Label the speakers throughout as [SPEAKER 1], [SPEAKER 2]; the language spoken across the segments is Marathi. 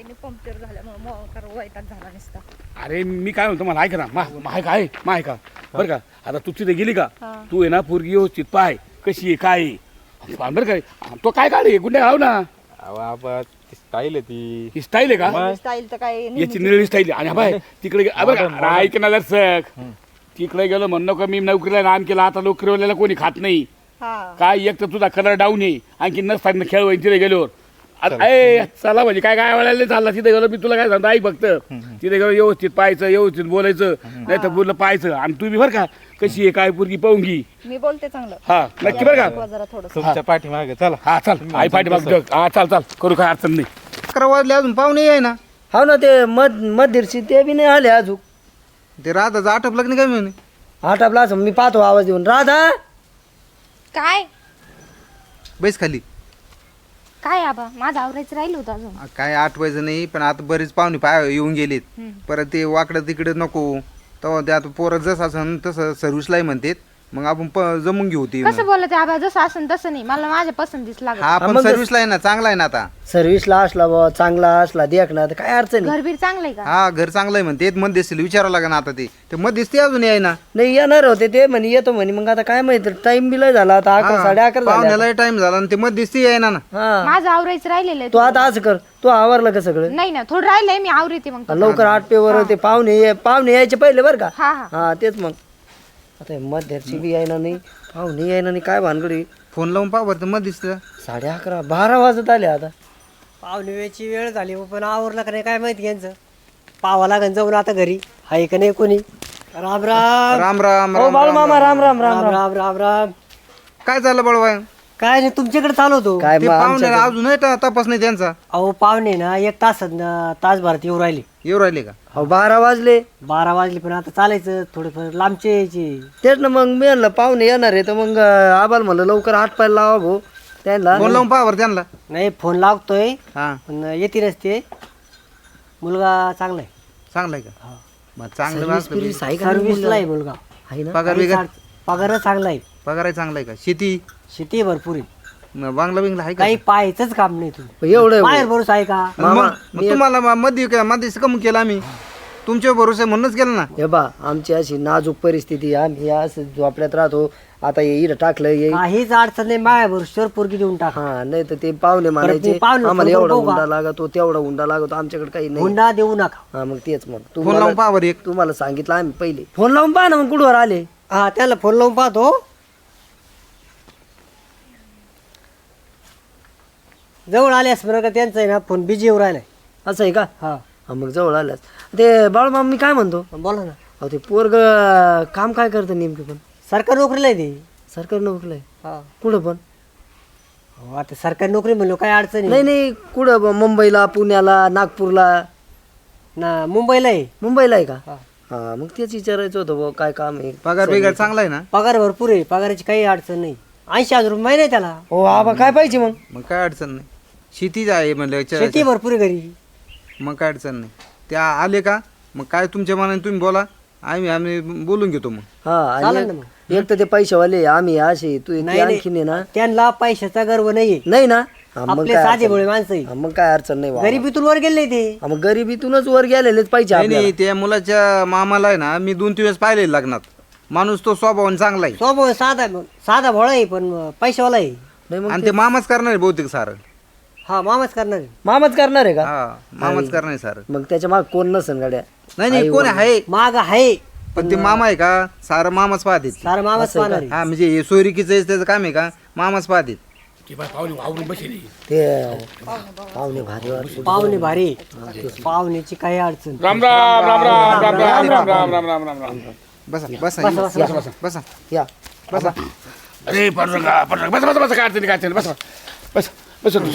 [SPEAKER 1] गाडीने पंक्चर झाल्यामुळे मोकार वैताग झाला नसता.
[SPEAKER 2] अरे मी काय म्हणतो मला ऐका ना मा ऐका बरं का आता तू तिथे गेली का तू आहे ना पोरगी व्यवस्थित पाय कशी आहे काय आहे. बरं काय तो काय काढे गुंडे घाव ना
[SPEAKER 3] स्टाईल आहे ती.
[SPEAKER 2] ही स्टाईल आहे का
[SPEAKER 1] स्टाईल तर काय
[SPEAKER 2] याची निळी स्टाईल आहे. आणि बाय तिकडे ऐक ना सक तिकडे गेलो म्हणणं का मी नोकरीला नाम केला आता नोकरीवाल्याला कोणी खात नाही काय एक तर तुझा कलर डाऊन आहे आणखी नसताना खेळ होईल तिथे गेल्यावर अरे चला म्हणजे काय काय वेळाला चालला तिथे गेलो मी तुला काय सांगतो ऐक फक्त तिथे गेलो व्यवस्थित पाहायचं व्यवस्थित बोलायचं नाही तर बोललं पाहायचं आणि तू बी बरं का कशी आहे काय पोरगी पाहून घी
[SPEAKER 1] मी बोलते चांगलं
[SPEAKER 2] हा नक्की बरं का
[SPEAKER 1] जरा थोडं
[SPEAKER 3] तुमच्या पाठीमागे चला.
[SPEAKER 2] हा चाल आई पाठीमाग हा चाल करू काय अडचण नाही.
[SPEAKER 4] 11 वाजले अजून पाहुणे आहे ना.
[SPEAKER 5] हो ना ते मध्यर्षी ते बी नाही आले अजून.
[SPEAKER 4] ते राधाचं आटपलं नाही काय म्हणे.
[SPEAKER 5] आटापला असं मी पाहतो आवाज देऊन राधा
[SPEAKER 6] काय
[SPEAKER 4] बैस खाली.
[SPEAKER 6] काय आबा माझं आवरायचं राहिलं होतं अजून.
[SPEAKER 4] काय आठवायचं नाही पण आता बरेच पाहुणे पाय येऊन गेलेत परत ते वाकडं तिकडे नको तेव्हा ते आता पोरं जसं असं तसं सर्व्हिसलाही म्हणतात मग आपण जमून घेऊ ती.
[SPEAKER 6] कसं बोलत आबा जसं असं तसं नाही मला माझ्या पसंतीच लागत.
[SPEAKER 4] हा पण सर्व्हिसला आहे ना चांगला आहे ना आता.
[SPEAKER 5] सर्व्हिसला असला बा चांगला असला देख ना तर काय अडचण नाही.
[SPEAKER 6] घरबीर चांगलंय का?
[SPEAKER 4] हा घर चांगलं आहे म्हणते मध्यस्थीला विचारावं लागेल आता ते मध्यस्थी अजून आहे ना.
[SPEAKER 5] नाही येणार होते ते म्हणे येतो म्हणे मग आता काय माहिती टाइम बी लय झाला आता 11 11:30 झाले.
[SPEAKER 4] पाहुण्याला टाइम झाला आणि ते मध्यस्थी आहे ना.
[SPEAKER 5] हा
[SPEAKER 6] माझं आवरायचं राहिलेलं आहे.
[SPEAKER 5] तू आता असं कर तू आवरलं का सगळं
[SPEAKER 6] नाही ना थोडं राहिलंय मी आवरते मग.
[SPEAKER 5] लवकर आटपेवर ते पाहुणे यायचे पहिले बरं का.
[SPEAKER 6] हा
[SPEAKER 5] हा तेच मग आता मध्यर्षी बी यायना नाही पाहुणे यायना नाही काय भानगडी.
[SPEAKER 4] फोन लावून पाहा बरं मध्यस्थीला.
[SPEAKER 5] 11:30 12 वाजत आले आता.
[SPEAKER 7] पाहुणे वेळची वेळ झाली पण आवरलं का नाही काय माहिती यांचं. पावा लागन जाऊन आता घरी आहे का नाही कोणी. राम राम
[SPEAKER 4] राम राम
[SPEAKER 5] हो बाळू मामा राम राम राम
[SPEAKER 7] राम राम राम राम.
[SPEAKER 4] काय झालं बळवाय.
[SPEAKER 7] काय नाही तुमच्याकडे चालू होतो.
[SPEAKER 5] काय
[SPEAKER 4] ते पाहुण्याला अजून तपास नाही त्यांचा.
[SPEAKER 7] अहो पाहुणे ना 1 तासभरात येऊ राहिले.
[SPEAKER 4] येऊ राहिले का.
[SPEAKER 5] हो 12 वाजले
[SPEAKER 7] 12 वाजले पण आता चालायचं थोडंफार लांबचे यायचे.
[SPEAKER 5] तेच ना मग मी म्हणलं पाहुणे येणार आहे तर मग आबाल म्हणलं लवकर आटपायला लावा भाऊ त्यांना.
[SPEAKER 4] फोन लावून पाहा बरं त्यांना.
[SPEAKER 7] नाही फोन लागतोय
[SPEAKER 4] हा
[SPEAKER 7] पण येते नसते. मुलगा चांगला आहे.
[SPEAKER 4] चांगलं आहे का. मग चांगलं
[SPEAKER 5] सर्व्हिस आहे का
[SPEAKER 7] सर्व्हिसला आहे मुलगा.
[SPEAKER 5] आहे ना.
[SPEAKER 4] पगार बिगार
[SPEAKER 7] पगार चांगला आहे.
[SPEAKER 4] पगार आहे चांगला आहे का.
[SPEAKER 7] शेती भरपूर आहे.
[SPEAKER 4] बांगला बिंगला आहे का.
[SPEAKER 7] काही पाहायचंच काम नाही तुम्ही.
[SPEAKER 5] एवढं
[SPEAKER 7] बाहेर भरोसा आहे का.
[SPEAKER 4] मग तुम्हाला मध्ये कमी केलं आम्ही तुमच्या भरोसा म्हणूनच केलं ना.
[SPEAKER 5] हे बा आमची अशी नाजूक परिस्थिती आम्ही असं झोपड्यात राहतो आता इथं टाकलं ये
[SPEAKER 7] काहीच अडचण नाही माझ्या भरोश्यावर पोरगी देऊन टाका.
[SPEAKER 5] हा नाही तर ते पाहुणे म्हणायचे
[SPEAKER 7] पाहुणे
[SPEAKER 5] आम्हाला
[SPEAKER 7] बरोबर
[SPEAKER 5] एवढा
[SPEAKER 7] बघू का?
[SPEAKER 5] हुंडा लागतो तेवढा हुंडा लागतो आमच्याकडे काही नाही.
[SPEAKER 7] हुंडा देऊ नका.
[SPEAKER 5] हा मग तेच मग
[SPEAKER 4] फोन लावून पाहा बरं एक.
[SPEAKER 5] तुम्हाला सांगितलं आम्ही पहिले फोन लावून पहा ना मग कुठवर आले.
[SPEAKER 7] हा त्याला फोन लावून पाहतो. जवळ आल्यास बरं का त्यांचा आहे ना फोन बिजी येऊ राहिलाय.
[SPEAKER 5] असं आहे का.
[SPEAKER 7] हा
[SPEAKER 5] हा मग जवळ आल्यास ते बाळूमामा मी काय म्हणतो
[SPEAKER 7] बोला ना.
[SPEAKER 5] अहो ते पोरग काम काय करतं नेमकं पण.
[SPEAKER 7] सरकारी नोकरीला आहे ते.
[SPEAKER 5] सरकारी नोकरीला आहे
[SPEAKER 7] हा
[SPEAKER 5] कुठं पण.
[SPEAKER 7] हो, आता सरकारी नोकरी म्हणलो काय अडचण
[SPEAKER 5] नाही नाही कुठं मुंबईला पुण्याला नागपूरला
[SPEAKER 7] ना. मुंबईला आहे.
[SPEAKER 5] मुंबईला आहे का.
[SPEAKER 7] हा.
[SPEAKER 5] हा मग तेच विचारायचं होतं बुवा काय काम आहे.
[SPEAKER 4] पगार बिगार चांगला आहे ना.
[SPEAKER 7] पगार भरपूर आहे. पगाराची काही अडचण नाही. 80,000 रुपये महिना आहे त्याला.
[SPEAKER 5] हो आबा काय पाहिजे मग.
[SPEAKER 4] मग काय अडचण नाही. शेतीच आहे म्हणलं
[SPEAKER 7] शेती भरपूर आहे घरी.
[SPEAKER 4] मग काय अडचण नाही. त्या आले का मग काय तुमच्या मनाने तुम्ही बोला आम्ही बोलून घेतो मग.
[SPEAKER 5] हा
[SPEAKER 7] चालेल
[SPEAKER 5] आणि
[SPEAKER 7] ना मग.
[SPEAKER 5] एक तर ते पैशावाले आम्ही असे तू
[SPEAKER 7] नाही,
[SPEAKER 5] आणखीन आहे ना.
[SPEAKER 7] त्यांना पैशाचा गर्व नाहीये.
[SPEAKER 5] नाही ना. हा, मग
[SPEAKER 7] आपले
[SPEAKER 5] काय
[SPEAKER 7] साधे
[SPEAKER 5] अडचण
[SPEAKER 7] भोळे
[SPEAKER 5] नाही.
[SPEAKER 7] माणसं आहे.
[SPEAKER 5] हा, मग काय अडचण नाही बाबा.
[SPEAKER 7] गरिबीतून वर गेले ते.
[SPEAKER 5] हा, मग गरिबीतूनच वर गेलेलेच पाहिजे
[SPEAKER 4] नाही
[SPEAKER 5] आपल्याला.
[SPEAKER 4] नाही त्या मुलाच्या मामाला आहे ना मी 2-3 वेळेस पाहिले लग्नात. माणूस तो स्वभावाने चांगला आहे
[SPEAKER 7] स्वभाव साधा भोळा आहे पण पैशावाला आहे.
[SPEAKER 5] नाही मग
[SPEAKER 4] आणि ते मामाच करणार आहे बहुतेक सारं.
[SPEAKER 7] हा मामाच करणार आहे.
[SPEAKER 5] मामाच करणार आहे का.
[SPEAKER 4] हा मामाच करणार आहे सारं.
[SPEAKER 5] मग त्याच्या माग कोण नसन गाड्या.
[SPEAKER 4] नाही नाही कोण आहे
[SPEAKER 7] माग आहे
[SPEAKER 4] पण ते मामा आहे का सारं मामाच पाहते.
[SPEAKER 7] सारा मामाच पाहणार आहे.
[SPEAKER 4] हा म्हणजे हे सोयरिकीचं त्याचं काम आहे का मामाच पाहते.
[SPEAKER 2] की बाय पाहुणे वावरून बसली
[SPEAKER 5] ते पाहुणे भारी वाटले.
[SPEAKER 7] पाहुणे भारी. पाहुण्याची काही अडचण.
[SPEAKER 2] राम राम राम राम राम राम राम राम राम राम राम राम.
[SPEAKER 4] बसा बसा बसा
[SPEAKER 5] या
[SPEAKER 4] बसा.
[SPEAKER 2] अरे पांडुरंगा बस बस बस काय अडचणी काय अडचणी बस बस बस तू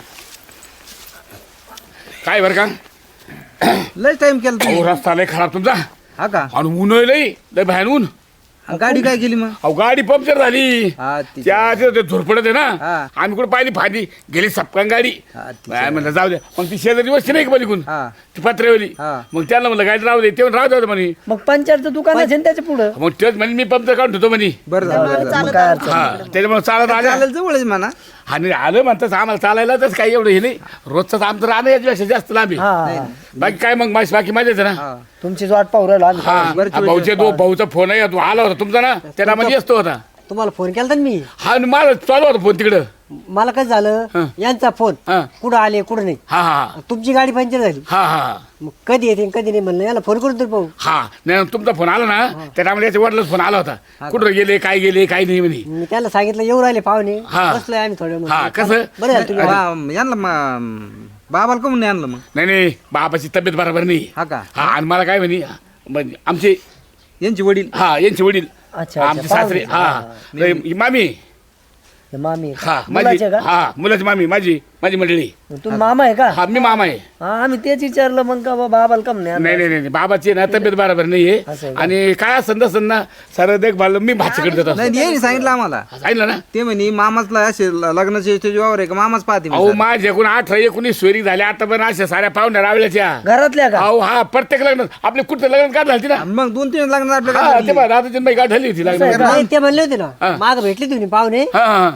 [SPEAKER 2] काय बरं का
[SPEAKER 4] लय टाइम केला तुम्ही.
[SPEAKER 2] अहो रस्ता लय खराब तुमचा
[SPEAKER 4] हा का.
[SPEAKER 2] आणि ऊन लय लय भयान ऊन.
[SPEAKER 4] आणि गाडी काय केली मग.
[SPEAKER 2] अहो गाडी पंक्चर झाली
[SPEAKER 4] हा ती
[SPEAKER 2] त्या झोरपडत आहे ना
[SPEAKER 4] हा.
[SPEAKER 2] आम्ही कुठे पाहिली फादी गेली सपकान गाडी
[SPEAKER 4] हा, ती
[SPEAKER 2] काय म्हणलं जाऊ दे मग ती शेजारी वस्ती नाही का पलीकडून
[SPEAKER 4] हा
[SPEAKER 2] ती पत्रेवली
[SPEAKER 4] हा.
[SPEAKER 2] मग त्याला म्हणलं गाडी राहू दे ते राहू दे म्हणे
[SPEAKER 5] मग पंचायतचं दुकान आहे ना त्याच्या पुढं.
[SPEAKER 2] मग तेच म्हणजे मी पंक्चर काढून ठेवतो म्हणे
[SPEAKER 4] बरं झालं बरं झालं.
[SPEAKER 5] मग काय अडचण.
[SPEAKER 2] हा त्याच्यामुळे चालत आल्या
[SPEAKER 4] चालेल जवळच म्हणा.
[SPEAKER 2] आणि आलं म्हणतात आम्हाला चालायला तर काही एवढं हे नाही रोजचं आमचं राहणं याच्यापेक्षा जास्त लांब आहे.
[SPEAKER 5] हा
[SPEAKER 2] बाकी काय मग बाकी मजाच आहे ना.
[SPEAKER 5] तुमची वाट पाहू राहिलो आम्ही.
[SPEAKER 2] हा भाऊचा फोन आहे, तू आला होता तुमचा ना, त्याला म्हणजे असतो होता.
[SPEAKER 7] तुम्हाला फोन केला तर मी
[SPEAKER 2] हा आणि मला चालू होता फोन तिकडं.
[SPEAKER 7] मला काय झालं यांचा फोन
[SPEAKER 2] हा
[SPEAKER 7] कुठं आले कुठं नाही.
[SPEAKER 2] हा हा
[SPEAKER 7] तुमची गाडी पंक्चर झाली.
[SPEAKER 2] हा हा
[SPEAKER 7] मग कधी येते आणि कधी नाही म्हणलं याला फोन करून तर पाहू.
[SPEAKER 2] हा नाही तुमचा फोन आला ना, त्या टायमाला याच्या वडिलांचा फोन आला होता, कुठं गेले काय नाही म्हणे.
[SPEAKER 7] मी त्याला सांगितलं येऊ राहिले पाहुणे,
[SPEAKER 2] हा.
[SPEAKER 7] बसलोय आम्ही थोडे.
[SPEAKER 2] हा, कसं?
[SPEAKER 7] बरं झालं तुम्ही
[SPEAKER 4] यांना बाबाला कमून आणलं मग?
[SPEAKER 2] नाही बाबाची तब्येत बरोबर नाही.
[SPEAKER 4] हा का?
[SPEAKER 2] हा आणि मला काय म्हणे म्हणजे आमचे
[SPEAKER 4] यांची वडील
[SPEAKER 2] हा यांचे वडील
[SPEAKER 5] अच्छा
[SPEAKER 2] आमचे सासरे हा ही मामी
[SPEAKER 5] हे मामी
[SPEAKER 2] हा माझी
[SPEAKER 5] मुलाचे का
[SPEAKER 2] हा मुलाची मामी माझी मंडळी.
[SPEAKER 5] तुम्ही मामा आहे का?
[SPEAKER 2] हा मी मामा आहे.
[SPEAKER 5] हा आम्ही तेच विचारलं मग का बाबाला कम नाही
[SPEAKER 2] नाही नाही बाबाची ना तब्येत बरोबर नाहीये
[SPEAKER 5] असं आहे का?
[SPEAKER 2] आणि काय असं ना सर देखभाल मी भाच्याकडे देत असतो.
[SPEAKER 4] नाही यांनी सांगितलं आम्हाला.
[SPEAKER 2] सांगितलं ना.
[SPEAKER 4] ते म्हणे मामाचला असे लग्नाचे जीवावर आहे का मामाच पाहते म्हणे
[SPEAKER 2] अहो
[SPEAKER 4] सारं.
[SPEAKER 2] माझ्याकडून 18-19 सोयरी झाल्या आता पण अशा साऱ्या पाहुण्या रावल्याच्या.
[SPEAKER 5] घरातल्या का?
[SPEAKER 2] अहो हा प्रत्येक लग्न आपले कुठं लग्न का झाली ना.
[SPEAKER 4] आणि मग 2-3 लग्न आपल्या
[SPEAKER 2] हा
[SPEAKER 4] गावात
[SPEAKER 2] ते बघा राधाची बाई गाठ झाली होती लग्न.
[SPEAKER 7] नाही, ते म्हणले होते
[SPEAKER 2] हा.
[SPEAKER 7] ना माग भेटले तुम्ही पाहुणे
[SPEAKER 2] हा हा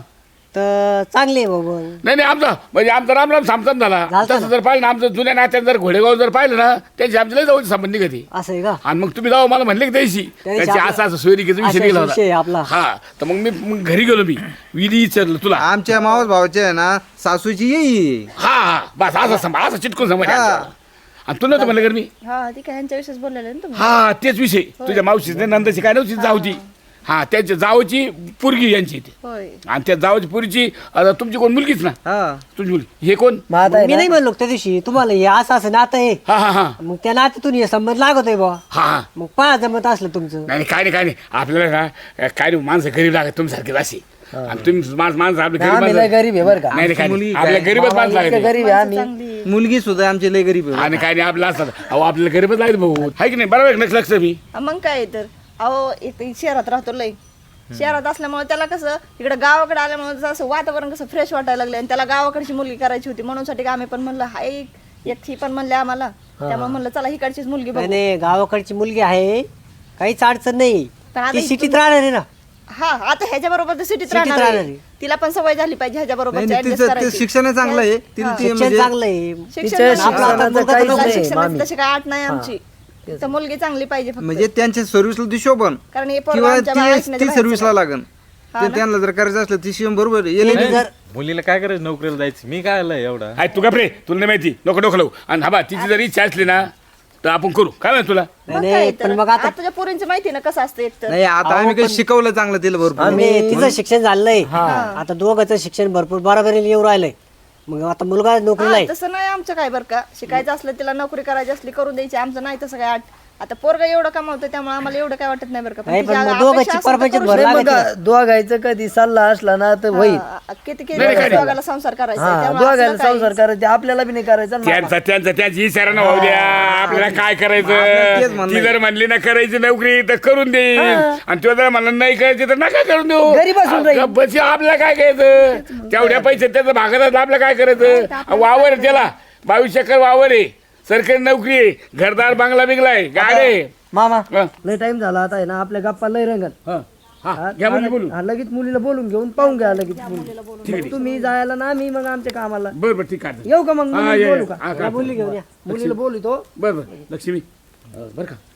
[SPEAKER 7] तर चांगले आहे बाबा.
[SPEAKER 2] नाही आमचा राम सामसाम झाला.
[SPEAKER 7] झालता
[SPEAKER 2] तसं जर पाहिलं ना आमचं जुन्या नात्यात जर घोडेगाव जर पाहिलं ना त्यांची आमच्या लय जवळची संबंधी कधी.
[SPEAKER 7] असं आहे का?
[SPEAKER 2] आणि मग तुम्ही जाऊ मला म्हणले की त्याशी
[SPEAKER 7] त्यादिवशी
[SPEAKER 2] त्याची
[SPEAKER 7] आपला-
[SPEAKER 2] असं सोयरिकेचा विषय
[SPEAKER 7] असा
[SPEAKER 2] निघाला
[SPEAKER 7] विषय आहे आपला.
[SPEAKER 2] होता. हा तर मग मी घरी गेलो मी विधी विचारलं तुला.
[SPEAKER 4] आमच्या मावस भावाचे आहे ना सासूची येई.
[SPEAKER 2] हा बस असं चिटकून समज.
[SPEAKER 4] हा.
[SPEAKER 2] आणि तू नव्हतं म्हणलं कर मी.
[SPEAKER 1] हा ती काय ह्यांच्या विषयीच बोललेलं ना तुम्ही.
[SPEAKER 2] हा तेच विषय तुझ्या मावशीची नंदाची काय नव्हती जाऊची. हा त्यांच्या जावची पोरगी यांची ती.
[SPEAKER 1] होय
[SPEAKER 2] आणि त्या जावची पोरीची आता तुमची कोण मुलगीच ना.
[SPEAKER 4] हा
[SPEAKER 2] तुमची मुलगी हे कोण.
[SPEAKER 5] मग आता आहे
[SPEAKER 7] मी
[SPEAKER 5] ना,
[SPEAKER 7] नाही म्हणलो त्या दिवशी तुम्हाला हे असं नातं आहे.
[SPEAKER 2] हा हा हा
[SPEAKER 7] मग त्या नात्यातून हे संबंध लागत आहे बा.
[SPEAKER 2] हा
[SPEAKER 7] मग पहा जमत असलं तुमचं.
[SPEAKER 2] नाही काय नाही आपल्याला ना काय नाही माणसं गरीब लागत तुमच्यासारखे अशी. आणि तुम्ही माणसं आपले गरीब
[SPEAKER 5] आम्ही लय
[SPEAKER 2] माणसं-
[SPEAKER 5] गरीब आहे बरं का?
[SPEAKER 2] नाही काय
[SPEAKER 4] मुलगी
[SPEAKER 2] नाही. आपल्या
[SPEAKER 4] काय?
[SPEAKER 2] गरीबच माणसं
[SPEAKER 5] इतकं
[SPEAKER 2] लागत.
[SPEAKER 5] गरीब आहे आम्ही.
[SPEAKER 1] चांगली
[SPEAKER 4] मुलगी सुद्धा आमची लय गरीब आहे.
[SPEAKER 2] आणि काय नाही आपलं असतात अहो आपल्याला गरीबच लागत भाऊ आहे की नाही. बरोबर आहे ना? लक्ष मी
[SPEAKER 1] हा, मग काय तर अहो इथे शहरात राहतो लय. शहरात असल्यामुळे त्याला कसं इकडे गावाकडे आल्यामुळे जसं वातावरण कसं फ्रेश वाटायला लागले आणि त्याला गावाकडची मुलगी करायची होती म्हणून साठी आम्ही पण म्हणलं हाय एकटी पण म्हणले आम्हाला त्यामुळे म्हणलं चला हिकडचीच मुलगी
[SPEAKER 7] नाही
[SPEAKER 1] बघू.
[SPEAKER 7] नाही, गावाकडची मुलगी आहे काहीच अडचण नाही.
[SPEAKER 1] पण आता
[SPEAKER 7] ती
[SPEAKER 1] इथून-
[SPEAKER 7] सिटीत राहणार आहे ना.
[SPEAKER 1] हा आता ह्याच्या बरोबर सिटीत
[SPEAKER 7] सिटीत
[SPEAKER 1] राहणार
[SPEAKER 7] राहणार
[SPEAKER 1] आहे.
[SPEAKER 7] आहे.
[SPEAKER 1] तिला पण सवय झाली पाहिजे ह्याच्या बरोबर
[SPEAKER 4] नाही
[SPEAKER 1] ऍडजस्ट
[SPEAKER 4] तिचं ते
[SPEAKER 1] करायची.
[SPEAKER 4] शिक्षण चांगलं आहे. तिला ते
[SPEAKER 7] शिक्षण
[SPEAKER 4] म्हणजे
[SPEAKER 7] चांगलं आहे.
[SPEAKER 5] तिच्या शिक्षणाचं काहीच नाही
[SPEAKER 1] शिक्षणाची
[SPEAKER 5] मामी.
[SPEAKER 1] तशी काय आठ नाही आमची तर मुलगी चांगली पाहिजे फक्त.
[SPEAKER 4] म्हणजे त्यांच्या सर्व्हिसला ती शोभन
[SPEAKER 1] कारण हे पोरं
[SPEAKER 4] किंवा
[SPEAKER 1] आमच्या
[SPEAKER 4] ती
[SPEAKER 1] ऐकण्याच्या
[SPEAKER 4] ती
[SPEAKER 1] बाहेरचं
[SPEAKER 4] सर्व्हिसला
[SPEAKER 1] नाही.
[SPEAKER 4] लागन. ते त्यांना जर करायचं असलं ती शिवम बरोबर आहे.
[SPEAKER 7] ते जर
[SPEAKER 3] मुलीला काय करायचं नोकरीला जायचं मी काय आलं एवढा.
[SPEAKER 2] आहे तू गप्रे तुला नाही माहिती नको डोकं लावू. आणि हा बा तिची जर इच्छा असली ना तर आपण करू काय माहिती तुला.
[SPEAKER 1] मग
[SPEAKER 7] नाही,
[SPEAKER 1] काय
[SPEAKER 7] पण
[SPEAKER 1] तर.
[SPEAKER 7] मग आता-
[SPEAKER 1] आता तुझ्या पोरींचं माहिती ना कसं असतं एक तर
[SPEAKER 4] नाही आता आम्ही काही शिकवलं चांगलं तिला भरपूर.
[SPEAKER 7] आम्ही तिचं शिक्षण झालंय आता दोघांचं शिक्षण भरपूर बरोबरीने येऊ राहिलंय. मग आता मुलगा नोकरीला आहे.
[SPEAKER 1] तसं नाही आमचं काय बरं का शिकायचं असलं तिला नोकरी करायची असली करून द्यायची आमचं नाही तसं काय आठ. आता पोरगा एवढं कमावतं त्यामुळे आम्हाला एवढं काय वाटत नाही बरं का
[SPEAKER 7] नाही, पण
[SPEAKER 1] तिची
[SPEAKER 7] मग
[SPEAKER 1] अपेक्षा
[SPEAKER 7] दोघांची
[SPEAKER 1] असेल तर
[SPEAKER 7] परपंचात
[SPEAKER 1] करू
[SPEAKER 7] भर
[SPEAKER 1] शकतो.
[SPEAKER 5] नाही मग दोघायचं कधी सल्ला असला ना तर होईल.
[SPEAKER 1] किती
[SPEAKER 2] नाही, काय नाही.
[SPEAKER 1] दोघाला संसार करायचा आहे,
[SPEAKER 5] हा
[SPEAKER 1] त्यामुळे
[SPEAKER 5] दोघायला
[SPEAKER 1] असलं काही-
[SPEAKER 5] संसार करायचे आपल्याला बी नाही करायचा ना.
[SPEAKER 2] त्याची इशारा न होऊ द्या. आपल्याला काय
[SPEAKER 4] तेच
[SPEAKER 2] करायचं.
[SPEAKER 4] म्हणणं
[SPEAKER 2] ती जर म्हणली ना करायची नोकरी तर करून देईल आणि तो जर म्हणलं नाही करायची तर नका करून देऊ.
[SPEAKER 5] घरी बसून राहील.
[SPEAKER 2] बस आपल्याला काय करायचं. तेवढ्या पैसे त्याचं भागत आपल्याला काय करायचं. वावर आहे त्याला 22 एकर वावर आहे. सरकारी नोकरी आहे. घरदार बांगला बिंगला आहे गाडी आहे.
[SPEAKER 5] मामा
[SPEAKER 2] हा.
[SPEAKER 5] लय टाइम झाला आता आहे ना आपल्या गप्पा लय रंगत.
[SPEAKER 2] हा. हा, घ्या मुली बोलू.
[SPEAKER 5] हा, लगेच मुलीला बोलून घेऊन पाहून घ्या लगेच मुली. मग तुम्ही जायला ना मी मग आमच्या कामाला
[SPEAKER 2] बरं बरं ठीक आहे.
[SPEAKER 5] येऊ का मग
[SPEAKER 2] हा,
[SPEAKER 5] मुलीला
[SPEAKER 2] ये,
[SPEAKER 5] बोलू
[SPEAKER 2] ये.
[SPEAKER 5] का?
[SPEAKER 2] हा, का?
[SPEAKER 7] मुली घेऊन या.
[SPEAKER 5] मुलीला बोलू तो.
[SPEAKER 2] बरं बरं लक्ष्मी बरं का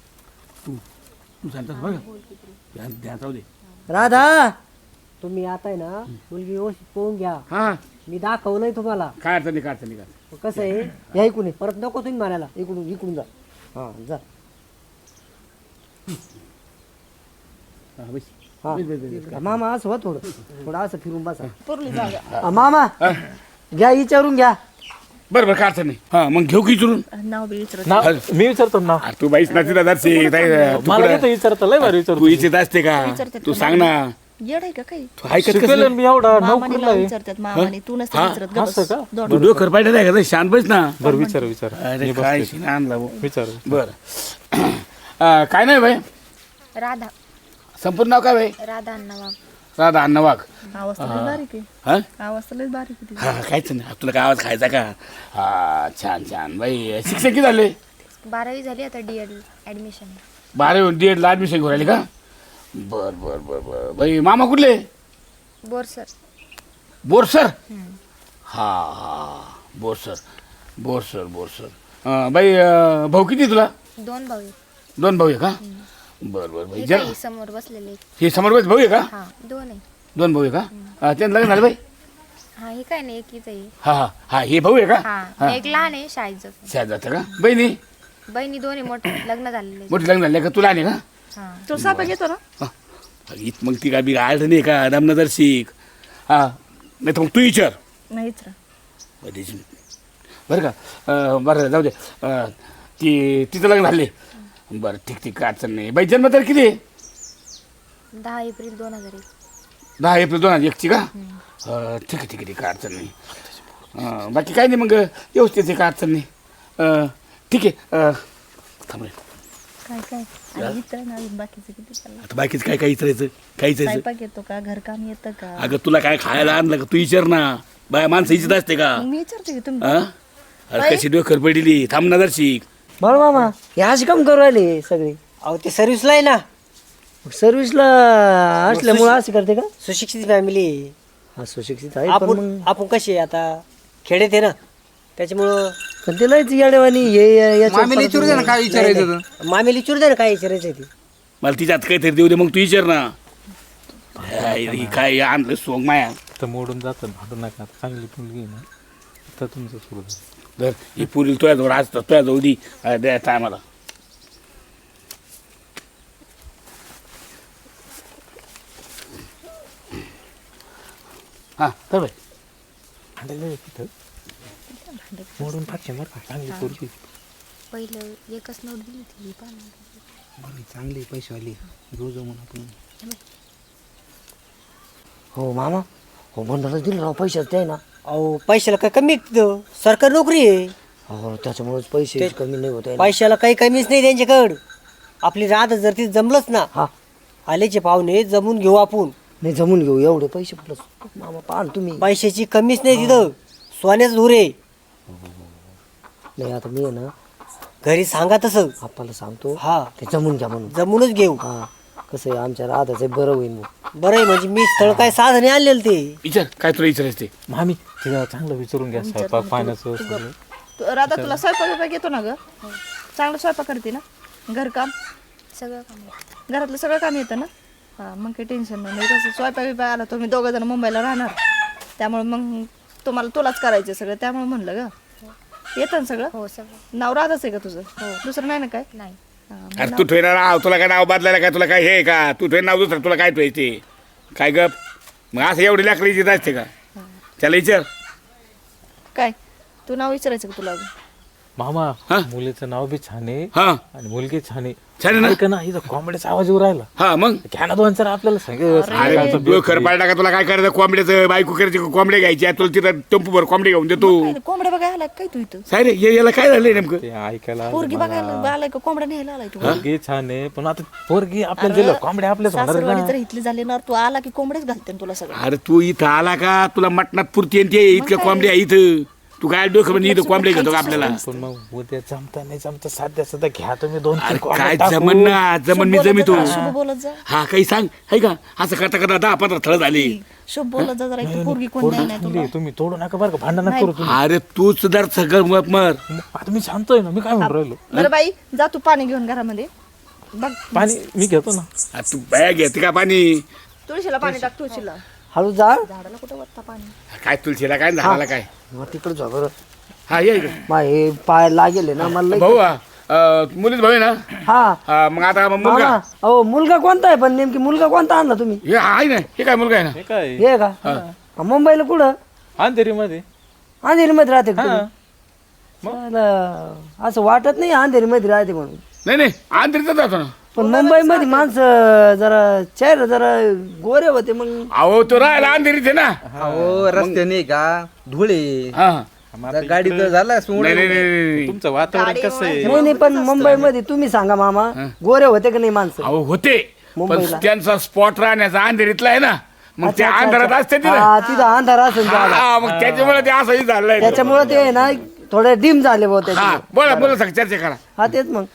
[SPEAKER 2] तू सांगतास बरं का ध्यान जाऊ दे.
[SPEAKER 5] राधा
[SPEAKER 7] तुम्ही आता आहे ना मुलगी व्यवस्थित पाहून घ्या.
[SPEAKER 2] हा
[SPEAKER 7] मी दाखवलंय तुम्हाला.
[SPEAKER 2] काय अडचण नाही काय अडचण नाही काय अडचण
[SPEAKER 7] मग कसं आहे
[SPEAKER 5] या इकडून ये.
[SPEAKER 7] परत नको तुम्ही म्हणायला.
[SPEAKER 5] इकडून इकडून जा. हा जा.
[SPEAKER 2] नाही. हा, बस.
[SPEAKER 5] हा.
[SPEAKER 2] बस, बस, बस, बस.
[SPEAKER 5] मामा असं हो थोडं असं फिरून बसा.
[SPEAKER 1] पुरली जागा
[SPEAKER 5] हा, मामा घ्या विचारून घ्या.
[SPEAKER 2] बरं बरं काय अडचण नाही. हा मग घेऊ की इचरून.
[SPEAKER 1] नाव बी विचारत
[SPEAKER 3] नाव मी विचारतो नाव.
[SPEAKER 2] अरे तू बाईस नाची दादा
[SPEAKER 3] मला येतं विचारता लय भारी
[SPEAKER 2] तू
[SPEAKER 3] विचारतो.
[SPEAKER 2] इच्छित असते का
[SPEAKER 1] विचारतात
[SPEAKER 2] तू
[SPEAKER 1] का
[SPEAKER 2] सांग ना.
[SPEAKER 1] येड आहे का काही
[SPEAKER 2] तू ऐकत कसं
[SPEAKER 3] शिकलेलं मी एवढा
[SPEAKER 1] मामाने
[SPEAKER 3] नोकरीला
[SPEAKER 1] नाव
[SPEAKER 3] आहे.
[SPEAKER 1] विचारतात मामाने तू नसतं विचारत गं
[SPEAKER 3] असं
[SPEAKER 1] बस.
[SPEAKER 3] का?
[SPEAKER 1] दोन.
[SPEAKER 2] तू डोकर पाहिजे नाही का शांत बस ना.
[SPEAKER 3] बरं विचार
[SPEAKER 2] अरे काय शिना आणला भाऊ.
[SPEAKER 3] विचार.
[SPEAKER 2] बरं काय नाही भाई
[SPEAKER 6] राधा
[SPEAKER 2] संपूर्ण नाव काय भाई.
[SPEAKER 6] राधा अण्णा वाघ.
[SPEAKER 2] राधा अण्णा वाघ.
[SPEAKER 1] आवाज तर लय बारीक आहे
[SPEAKER 2] हा
[SPEAKER 1] आवाज तर लय बारीक आहे तिचा.
[SPEAKER 2] हा काहीच नाही तुला काय आवाज खायचा का. हा छान छान बाई शिक्षण किती झाले.
[SPEAKER 6] 12वी झाली आता DED ऍडमिशन.
[SPEAKER 2] 12 DED ला ऍडमिशन घेऊन राहिले का. बर बर बर बर बाई मामा कुठले.
[SPEAKER 6] बोरसर.
[SPEAKER 2] बोरसर हा हा बोरसर बाई भाऊ किती आहे तुला?
[SPEAKER 6] 2 भाऊ आहेत.
[SPEAKER 2] 2 भाऊ आहे का? बरं बरं बाई
[SPEAKER 6] हे
[SPEAKER 2] जर
[SPEAKER 6] काय समोर बसलेले आहेत.
[SPEAKER 2] हे समोर भाऊ आहे का?
[SPEAKER 6] हा 2 आहे.
[SPEAKER 2] 2 भाऊ आहे का? त्यांचं लग्न झालं बाई?
[SPEAKER 6] हा हे काय नाही एकीच आहे.
[SPEAKER 2] हा हे भाऊ आहे का?
[SPEAKER 6] हा एक लहान आहे शाळेत जातो.
[SPEAKER 2] शाळेत जातं का? बहिणी
[SPEAKER 6] बहिणी 2 आहे मोठे लग्न झालेले आहेत.
[SPEAKER 2] मोठी लग्न झाले का? तुला नाही का?
[SPEAKER 6] हा
[SPEAKER 1] तुला स्वयंपाक येतो ना?
[SPEAKER 2] मग ती का बी आढ नाही का रामनगर शिक हा नाही तर मग तू विचार
[SPEAKER 1] नाहीच रा.
[SPEAKER 2] बरं का बरं जाऊ दे तिचं लग्न झाले बरं ठीक काय अडचण नाही बाई जन्मतारीख किती आहे?
[SPEAKER 6] 10 एप्रिल 2001.
[SPEAKER 2] 10 एप्रिल 2001 का? ठीक आहे काय अडचण नाही बाकी काय नाही मग व्यवस्थित आहे काय अडचण नाही ठीक आहे थांब रे.
[SPEAKER 1] काय आणि इतर ना अजून बाकीचं किती चाललं?
[SPEAKER 2] आता बाकीचं काय विचारायचं काय विचारायचं?
[SPEAKER 1] स्वयंपाक येतो का? घरकाम येतं का?
[SPEAKER 2] अगं तुला काय खायला आणलं का? तू विचार ना बाय माणसं इच्छित असते का?
[SPEAKER 1] मग मी विचारते की तुम्ही
[SPEAKER 2] हा अरे कशी डोकर पडली थांब नजर शिक
[SPEAKER 5] बरं मामा हे असे काम करू राहिले सगळे
[SPEAKER 7] अहो ते सर्व्हिसला आहे ना,
[SPEAKER 5] सर्व्हिसला असल्यामुळे असे करते का?
[SPEAKER 7] सुशिक्षित फॅमिली.
[SPEAKER 5] हा सुशिक्षित आहे पण
[SPEAKER 7] आपण
[SPEAKER 5] मग
[SPEAKER 7] आपण कसे आता खेडेत आहे ना, त्याच्यामुळं
[SPEAKER 5] पण ते लयच येडेवानी हे याच्यावर
[SPEAKER 4] मामीला विचारू दे ना काय विचारायचं होतं.
[SPEAKER 7] मामेली चूर दे ना काय विचारायचं ते.
[SPEAKER 2] मला तिच्यात काहीतरी देऊ दे मग तू विचार ना काय आणलं सोंग माया
[SPEAKER 3] तर मोडून जातं भांडू नका चांगली मुलगी आहे ना तर तुमचं सुरू झालं.
[SPEAKER 2] तर ही पुरी तुझ्याजवळ आज तुझ्याजवळ दी द्यायचं आम्हाला हां तर बाई
[SPEAKER 3] भांडायला आहे तिथं मोडून टाकशे बरं का चांगली पोरगी.
[SPEAKER 6] पहिलं एकच नोट दिली होती पण
[SPEAKER 4] बरं, चांगली पैसेवाली घेऊ जाऊ म्हणून आपण.
[SPEAKER 5] हो मामा हो बंधाला दिलं राव पैशाच ते ना.
[SPEAKER 7] अहो पैशाला काय कमी आहे तिथं? सरकारी नोकरी आहे.
[SPEAKER 5] हो त्याच्यामुळेच पैसे कमी नाही होत आहे ना.
[SPEAKER 7] पैशाला काही कमीच नाही त्यांच्याकडं. आपली रात जर ती जमलंच ना,
[SPEAKER 5] हा
[SPEAKER 7] आलेचे पाहुणे जमून घेऊ आपण.
[SPEAKER 5] नाही जमून घेऊ एवढे पैसे प्लस मामा पाहा ना तुम्ही.
[SPEAKER 7] पैशाची कमीच नाही तिथं, सोन्याच धुरे.
[SPEAKER 5] नाही आता मी आहे ना
[SPEAKER 7] घरी सांगा तसं,
[SPEAKER 5] आपल्याला सांगतो
[SPEAKER 7] हा
[SPEAKER 5] ते जमून घ्या म्हणून.
[SPEAKER 7] जमूनच घेऊ.
[SPEAKER 5] हा कसं आहे आमच्या राधाचं बरं होईल मग.
[SPEAKER 7] बरं आहे म्हणजे मी स्थळ काय साधने आणलेलं ते.
[SPEAKER 2] विचार काय तुला विचारायचं ते
[SPEAKER 3] मामी तिला चांगलं विचारून घ्या स्वयंपाक पाण्याचं सगळं.
[SPEAKER 1] राधा तुला स्वयंपाक येतो ना ग? चांगलं स्वयंपाक करते ना? घरकाम
[SPEAKER 6] सगळं काम आहे.
[SPEAKER 1] घरातलं सगळं काम येतं ना? हां मग काही टेन्शन नाही. कसं स्वयंपाक बिपाक आला तुम्ही 2 जण मुंबईला राहणार त्यामुळे मग तुलाच करायचं सगळं त्यामुळे म्हणलं ग. येतं ना सगळं?
[SPEAKER 6] हो सगळं.
[SPEAKER 1] नाव राधाच आहे का तुझं? दुसरं नाही ना काय?
[SPEAKER 6] नाही
[SPEAKER 1] हां,
[SPEAKER 2] अरे तू ठेवणार नाव तुला काय नाव बदलायला काय तुला काय हे का तू ठेव नाव दुसरं तुला काय ठेवायचे काय गप मग असं एवढी लाकडी येत असते का त्याला विचार
[SPEAKER 1] काय तू नाव विचारायचं का तुला अजून?
[SPEAKER 3] मामा
[SPEAKER 2] हा?
[SPEAKER 3] मुलीचं नाव बी छान आहे
[SPEAKER 2] हां
[SPEAKER 3] आणि मुलगी छान आहे.
[SPEAKER 2] छान आहे ना?
[SPEAKER 3] ऐका ना इथं कॉमेडीचा आवाज येऊ राहिला.
[SPEAKER 2] हां मग
[SPEAKER 3] घ्या ना 2-4 आपल्याला
[SPEAKER 2] अरे तू खरं पाडला का तुला काय करायचं कोंबड्याचं बायको करायची कोंबड्या घ्यायची तुला तिथं टेम्पूभर कोंबडी घेऊन देतो
[SPEAKER 1] काय रे, कोंबड्या बघायला आलाय काय तू इथं?
[SPEAKER 2] काय रे याला काय झालंय नेमकं
[SPEAKER 3] ते ऐकायला
[SPEAKER 1] पोरगी बघायला आलाय का कोंबड्या न्यायला आलाय तू?
[SPEAKER 3] पोरगी छान आहे पण आता पोरगी आपल्याला दिलं कॉमेडी आपल्याच होणार
[SPEAKER 1] सासरवाडी
[SPEAKER 3] ना.
[SPEAKER 1] जर इथली झाली ना तू आला की कोंबड्याच घालते ना तुला सगळं.
[SPEAKER 2] अरे तू इथं आला का तुला मटणात पुरती आणि ते इतक्या कोंबड्या आहे इथं तू काय डोकं म्हणजे इथं कोंबड्या घेतो का आपल्याला
[SPEAKER 3] पण मग उद्या जमता नाही जमता साध्या सध्या घ्या तुम्ही 2-3
[SPEAKER 2] अरे
[SPEAKER 3] कोंबड्या
[SPEAKER 2] काय
[SPEAKER 3] टाकून.
[SPEAKER 2] जमन ना जमन मी जमितो
[SPEAKER 1] शुभ बोलत जा.
[SPEAKER 2] हा काही सांग आहे का असं करता करता 10-15 थळ झाली
[SPEAKER 1] शुभ बोलत जा जरा. इथं पोरगी कोण
[SPEAKER 3] पोरगी
[SPEAKER 1] द्याय नाही
[SPEAKER 3] चांगली
[SPEAKER 1] तुला.
[SPEAKER 3] आहे, तुम्ही तोडू नका बरं का भांडण नका करू तुम्ही.
[SPEAKER 2] अरे तूच जर सगळं मर
[SPEAKER 3] मग आता मी शांत आहे ना मी काय म्हणून राहिलो.
[SPEAKER 1] बरं बाई जा तू पाणी घेऊन घरामध्ये बघ.
[SPEAKER 3] पाणी मी घेतो ना.
[SPEAKER 2] तू बॅग घेते का पाणी
[SPEAKER 1] तुळशीला पाणी टाक तुळशीला.
[SPEAKER 5] हळू जा
[SPEAKER 1] झाडाला कुठं वत्ता पाणी?
[SPEAKER 2] काय तुलसीला काय झाला काय
[SPEAKER 5] मग तिकडे जा बरं.
[SPEAKER 2] हा ये इकडे.
[SPEAKER 5] मा हे पाय लागेल ना मला लई.
[SPEAKER 2] भाऊ मुलीच भाऊ आहे ना
[SPEAKER 5] हा
[SPEAKER 2] हा, मग आता मुलगा
[SPEAKER 5] मामा अहो मुलगा कोणता आहे पण नेमकी मुलगा कोणता आणला तुम्ही?
[SPEAKER 2] हे आहे ना हे काय मुलगा आहे ना
[SPEAKER 3] हे काय
[SPEAKER 5] हे का हा, मुंबईला कुठं?
[SPEAKER 3] अंधेरी मध्ये
[SPEAKER 5] अंधेरी मध्ये राहते का
[SPEAKER 3] हा.
[SPEAKER 5] तुम्ही? मला असं वाटत नाही अंधेरी मध्ये राहते म्हणून.
[SPEAKER 2] नाही आंतरीचा जातो ना
[SPEAKER 5] पण मुंबई मध्ये माणसं जरा चेहरा जरा गोरे होते मग.
[SPEAKER 2] अहो तो राहायला अंधेरीत आहे ना
[SPEAKER 4] अहो रस्त्याने का धुळे
[SPEAKER 2] हा
[SPEAKER 4] गाडी तर झाला
[SPEAKER 2] नाही
[SPEAKER 3] तुमचं वातावरण कसं आहे.
[SPEAKER 5] नाही पण मुंबई मध्ये तुम्ही सांगा मामा गोरे होते का नाही माणसं?
[SPEAKER 2] अहो होते पण
[SPEAKER 5] मुंबईला.
[SPEAKER 2] त्यांचा स्पॉट राहण्याचा अंधेरीतला आहे ना मग ते
[SPEAKER 5] अच्छा, अच्छा,
[SPEAKER 2] अंधारात
[SPEAKER 5] अच्छा.
[SPEAKER 2] असते तिथं
[SPEAKER 5] हा, तिथं अंधार असेल झाला.
[SPEAKER 2] हा, मग त्याच्यामुळे ते असंही झालंय
[SPEAKER 5] त्याच्यामुळे ते आहे ना थोडे डिम झाले भाऊ
[SPEAKER 2] हा
[SPEAKER 5] त्याच्यामुळे.
[SPEAKER 2] बोला सग चर्चा करा
[SPEAKER 5] हा तेच मग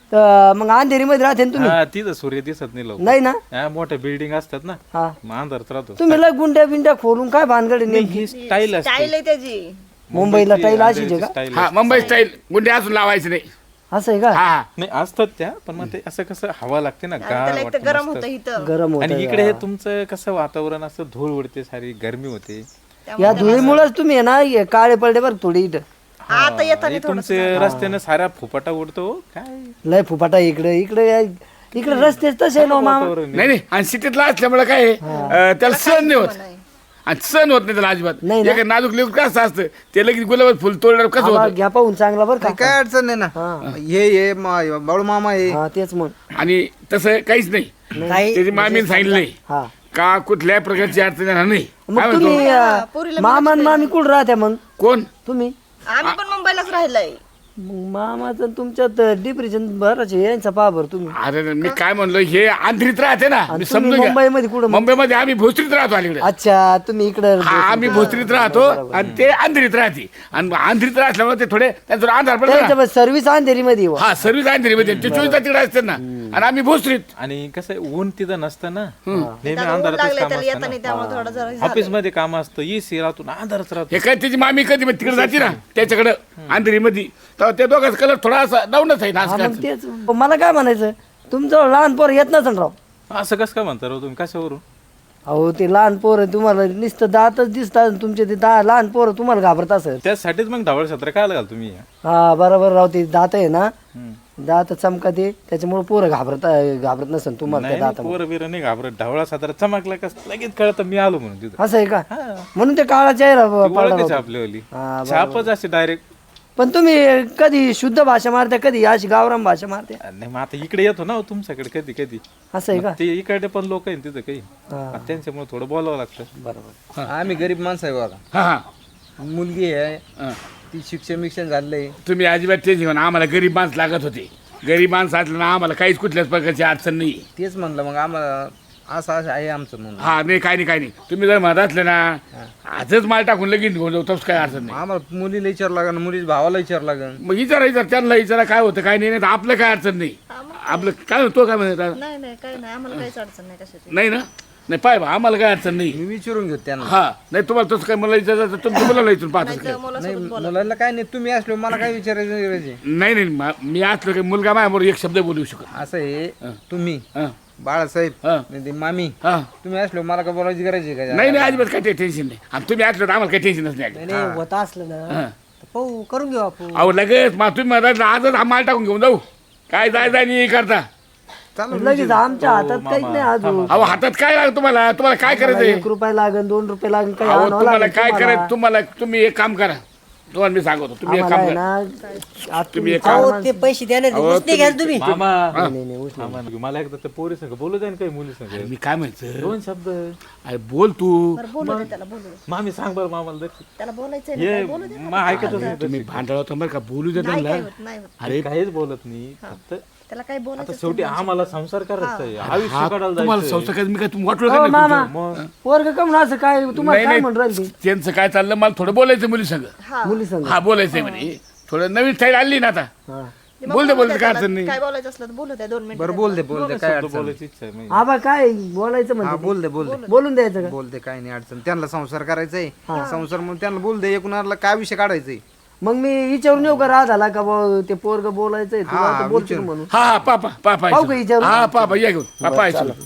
[SPEAKER 5] तर मग अंधेरीमध्ये राहते ना तुम्ही?
[SPEAKER 8] हा तिथं सूर्य दिसत नाही लवकर.
[SPEAKER 5] नाही ना?
[SPEAKER 8] हा, मोठ्या बिल्डिंग असतात ना,
[SPEAKER 5] हा.
[SPEAKER 8] मग अंधारात राहतो.
[SPEAKER 5] तुम्ही लय गुंड्या बिंड्या खोलून काय भानगड आहे नेमकी?
[SPEAKER 8] ही स्टाईल असते.
[SPEAKER 1] स्टाईल आहे त्याची.
[SPEAKER 5] मुंबईला टाईल अशीच आहे का?
[SPEAKER 8] स्टाईल
[SPEAKER 2] हा मुंबई स्टाईल गुंडे असून लावायचं नाही.
[SPEAKER 5] असं आहे का?
[SPEAKER 2] हा
[SPEAKER 8] नाही असतात त्या, पण मग ते असं कसं हवा लागते ना,
[SPEAKER 1] त्याला
[SPEAKER 8] गार
[SPEAKER 1] एक तर
[SPEAKER 8] वाटतं
[SPEAKER 1] गरम
[SPEAKER 8] मस्त.
[SPEAKER 1] होतं इथं.
[SPEAKER 5] गरम होत
[SPEAKER 8] आणि इकडे हे तुमचं कसं वातावरण असं धूळ उडते, सारी गरमी होते.
[SPEAKER 5] या धुळीमुळेच तुम्ही आहे ना हे काळे पडले बरं थोडी इथं.
[SPEAKER 1] आता येताना
[SPEAKER 8] आणि तुमचे रस्त्यानं सारा फुपाटा उडतो काय
[SPEAKER 5] लय फुपाटा इकडे इकडे इकडे रस्ते तसे आहे ना हो मामा.
[SPEAKER 8] वातावरण
[SPEAKER 2] नाही नाही आणि सिटीतला असल्यामुळे काय आहे, त्याला सण नाही होत आणि सण होत नाही त्याला अजिबात.
[SPEAKER 5] नाही ना.
[SPEAKER 2] एक नाजूक लेकरू कसं असतं ते लगेच गुलाबात फुल तोडल्यावर कसं
[SPEAKER 5] आवाज
[SPEAKER 2] होतं.
[SPEAKER 5] घ्या पाहून चांगला बरं का?
[SPEAKER 4] काय अडचण नाही ना. हे बाळू मामा हे
[SPEAKER 5] हा तेच मग.
[SPEAKER 2] आणि तसं काहीच नाही.
[SPEAKER 7] ताई
[SPEAKER 2] त्याची मामीने सांगितलंय
[SPEAKER 5] हा
[SPEAKER 2] का कुठल्याही प्रकारची अडचण येणार नाही. काय
[SPEAKER 5] मग
[SPEAKER 2] म्हणतो?
[SPEAKER 5] तुम्ही मामा आणि मामी कुठं राहत्या मग
[SPEAKER 2] कोण
[SPEAKER 5] तुम्ही?
[SPEAKER 1] आम्ही पण मुंबईलाच राहिलोय.
[SPEAKER 5] मग मामाचं तुमच्यात डिप्रेशन बरंच आहे, यांचा पहा बरं तुम्ही.
[SPEAKER 2] अरे मी काय म्हणलो हे आंध्रीत राहते ना, मी
[SPEAKER 5] तुम्ही
[SPEAKER 2] समजून घ्या.
[SPEAKER 5] मुंबईमध्ये कुठं मग?
[SPEAKER 2] मुंबईमध्ये आम्ही भोसरीत राहतो अलीकडे.
[SPEAKER 5] अच्छा तुम्ही इकडे
[SPEAKER 2] हा आम्ही भोसरीत राहतो आणि ते आंध्रीत राहते आणि आंध्रीत राहल्यामुळे ते थोडे त्यांचा अंधार पडतो ना.
[SPEAKER 5] सर्व्हिस अंधेरीमध्ये येऊ.
[SPEAKER 2] हा सर्व्हिस आंध्रीमध्ये ते 24 तास तिकडे असते ना आणि आम्ही भोसरीत.
[SPEAKER 8] आणि कसं आहे, ऊन तिथं नसतं ना, नेहमी
[SPEAKER 1] त्याला ऊन
[SPEAKER 8] अंधारातच
[SPEAKER 1] लागलंय
[SPEAKER 8] काम
[SPEAKER 1] त्याला
[SPEAKER 8] असतं
[SPEAKER 1] येताना,
[SPEAKER 8] ना.
[SPEAKER 1] त्यामुळे थोडं जरा
[SPEAKER 8] ऑफिस मध्ये काम असतं, एसी राहतो ना, अंधारच राहतो.
[SPEAKER 2] हे काय त्याची मामी कधी मग तिकडे जाते ना त्याच्याकडे आंध्रीमध्ये, तर त्या दोघांचा कलर थोडासा डाऊनच आहे ना
[SPEAKER 5] हा,
[SPEAKER 2] आज
[SPEAKER 5] मग तेच मला काय म्हणायचं तुमचं लहान पोर येत नसेल राव.
[SPEAKER 8] असं कसं काय म्हणता राव तुम्ही, कशावरून?
[SPEAKER 5] अहो ते लहान पोर तुम्हाला नुसतं दातच दिसतात तुमचे ते लहान पोरं तुम्हाला घाबरत असेल.
[SPEAKER 8] त्यासाठीच मग ढवळ सत्र काय घाल तुम्ही.
[SPEAKER 5] हा बरोबर राव ते दात आहे ना, दात चमका ते त्याच्यामुळे पोरं घाबरत नसेल तुम्हाला त्या
[SPEAKER 8] नाही
[SPEAKER 5] दात.
[SPEAKER 8] पोरं बिरं नाही घाबरत, ढवळा सत्र चमकला कस लगेच कळतं मी आलो म्हणून तिथं.
[SPEAKER 5] असं आहे का? म्हणून ते काळा चेहरा पडला
[SPEAKER 8] ओळखच
[SPEAKER 5] राव.
[SPEAKER 8] आपल्यावाली
[SPEAKER 5] हा,
[SPEAKER 8] छापच अशी डायरेक्ट.
[SPEAKER 5] पण तुम्ही कधी शुद्ध भाषा मारता कधी अशी गावराम भाषा मारते?
[SPEAKER 8] नाही मग आता इकडे येतो ना हो तुमच्याकडे कधी कधी,
[SPEAKER 5] असं आहे का?
[SPEAKER 8] ते इकडे पण लोक आहेत तिथं काही,
[SPEAKER 5] हा.
[SPEAKER 8] त्यांच्यामुळे थोडं बोलावं लागतं.
[SPEAKER 5] बरोबर.
[SPEAKER 4] आम्ही गरीब माणसं आहे बघा.
[SPEAKER 2] हा हा
[SPEAKER 4] मुलगी आहे
[SPEAKER 2] हा.
[SPEAKER 4] ती शिक्षण झालंय.
[SPEAKER 2] तुम्ही अजिबात टेन्शन घेऊन आम्हाला गरीब माणसं लागत होते. गरीब माणसं असलं ना आम्हाला काहीच कुठल्याच प्रकारची अडचण नाही.
[SPEAKER 4] तेच म्हणलं मग आम्हाला असं आहे आमचं म्हणून.
[SPEAKER 2] हा नाही काही नाही काही नाही. तुम्ही जर म्हणत असले ना आजच माल टाकून लगेच घेऊन जाऊ तसं काय अडचण नाही.
[SPEAKER 4] आम्हाला मुलीला विचार लागन, मुलीच्या भावाला विचार लागन.
[SPEAKER 2] मग विचारा त्यांना विचारा काय होतं काय नाही. नाही तर आपलं काय अडचण नाही. आपलं काय तो काय म्हणत
[SPEAKER 1] नाही नाही काही नाही, आम्हाला काहीच अडचण नाही कशाची.
[SPEAKER 2] नाही ना. नाही पाय बा आम्हाला काय अडचण नाही.
[SPEAKER 4] मी विचारून घेऊ त्यांना.
[SPEAKER 2] हा नाही तुम्हाला तसं काय मला विचारायचं तर तुम्ही मुलाला इथून पाहतात काय.
[SPEAKER 4] नाही मुलाला काय नाही, तुम्ही असलो मला काय विचारायचं.
[SPEAKER 2] नाही नाही मी असलो की मुलगा माझ्याबरोबर एक शब्द बोलू शकत.
[SPEAKER 4] असं आहे तुम्ही
[SPEAKER 2] हा
[SPEAKER 4] बाळासाहेब
[SPEAKER 2] हा.
[SPEAKER 4] नाही ते मामी,
[SPEAKER 2] हा
[SPEAKER 4] तुम्ही असलो मला काय बोलायची करायची का?
[SPEAKER 2] नाही नाही अजिबात काही टेन्शन नाही. आणि तुम्ही असलो तर आम्हाला काही टेन्शनच नाही.
[SPEAKER 7] नाही नाही, होत असलं ना तर पाहू करून घेऊ आपण.
[SPEAKER 2] अहो लगेच मग तुम्ही म्हणता आजच हा माल टाकून घेऊन जाऊ काय जाय नाही करता.
[SPEAKER 4] चालू
[SPEAKER 5] लगेच आमच्या हातात काहीच नाही अजून.
[SPEAKER 2] अहो हातात काय लागतं तुम्हाला काय करायचंय.
[SPEAKER 5] 1 रुपया लागेल 2 रुपये लागेल काही
[SPEAKER 2] अहो
[SPEAKER 5] आणावं
[SPEAKER 2] तुम्हाला
[SPEAKER 5] लागेल
[SPEAKER 2] काय
[SPEAKER 5] तुम्हाला.
[SPEAKER 2] करायचं तुम्हाला तुम्ही एक काम करा. तुम्हाला मी सांगतो तुम्ही एक
[SPEAKER 5] आम्हाला
[SPEAKER 2] काम
[SPEAKER 5] आहे
[SPEAKER 2] करा.
[SPEAKER 5] ना आज
[SPEAKER 2] तुम्ही एक
[SPEAKER 7] अहो ते पैसे देणार
[SPEAKER 2] अहो,
[SPEAKER 7] उसने घ्याल तुम्ही.
[SPEAKER 8] मामा
[SPEAKER 5] नाही नाही उचल.
[SPEAKER 8] मामा, मला एकदा त्या पोरी संग बोलू द्या ना, काही मुली संग
[SPEAKER 2] मी काय म्हणतो
[SPEAKER 8] 2 शब्द.
[SPEAKER 2] अरे बोल तू.
[SPEAKER 1] बरं बोलू दे त्याला, बोलू दे.
[SPEAKER 8] मामी सांग बरं मामाला दर्शी.
[SPEAKER 1] त्याला बोलायचंय ना,
[SPEAKER 8] हे
[SPEAKER 1] काय बोलू दे.
[SPEAKER 8] मग ऐकतच नाही
[SPEAKER 2] तुम्ही भांडळ होता बरं का बोलू दे
[SPEAKER 1] नाही
[SPEAKER 2] त्यांना.
[SPEAKER 1] काय होत, नाही होत.
[SPEAKER 2] अरे
[SPEAKER 8] काहीच बोलत नाही, फक्त
[SPEAKER 1] त्याला काय
[SPEAKER 8] आता
[SPEAKER 1] बोलायचं
[SPEAKER 8] शेवटी आम्हाला संसार करायचा आहे, आयुष्य
[SPEAKER 2] हा
[SPEAKER 8] काढायला
[SPEAKER 2] तुम्हाला
[SPEAKER 8] जायचंय.
[SPEAKER 2] संस्था काय मी काय तुम्ही वाटलं
[SPEAKER 5] हो,
[SPEAKER 2] का नाही
[SPEAKER 5] मामा
[SPEAKER 2] तुमचं?
[SPEAKER 5] पोरग कम असं काय तुम्हाला
[SPEAKER 2] नाही,
[SPEAKER 5] काय
[SPEAKER 2] नाही.
[SPEAKER 5] म्हणून राहील ती?
[SPEAKER 2] त्यांचं काय चाललं मला थोडं बोलायचं मुली संग.
[SPEAKER 5] मुली संग.
[SPEAKER 2] हा बोलायचंय म्हणे थोडं नवीन स्टाईल आली ना आता.
[SPEAKER 5] हा.
[SPEAKER 1] मग
[SPEAKER 2] बोल दे
[SPEAKER 1] बोलू
[SPEAKER 2] काय
[SPEAKER 1] त्याला,
[SPEAKER 2] अडचण नाही.
[SPEAKER 1] काय बोलायचं असलं तर बोलू द्या 2 मिनिट.
[SPEAKER 4] बरं बोल दे काय
[SPEAKER 8] शब्द
[SPEAKER 4] अडचण नाही.
[SPEAKER 8] बोलायची इच्छा आहे माझी.
[SPEAKER 5] आबा काय बोलायचं
[SPEAKER 4] हा
[SPEAKER 5] म्हणजे
[SPEAKER 4] बोल दे
[SPEAKER 5] बोलून द्यायचं का?
[SPEAKER 4] बोल दे काय नाही अडचण. त्यांना संसार करायचाय संसार म्हणून त्यांना बोल दे. एकूणाला काय विषय काढायचंय.
[SPEAKER 5] मग मी विचारून येऊ का राधाला का बुवा ते पोरग बोलायचंय तुला
[SPEAKER 4] हा,
[SPEAKER 5] आता बोलतो
[SPEAKER 4] विचारू.
[SPEAKER 5] म्हणून.
[SPEAKER 2] हा पापा
[SPEAKER 5] पाहू का विचारून?
[SPEAKER 2] हा पापा या घेऊन पापा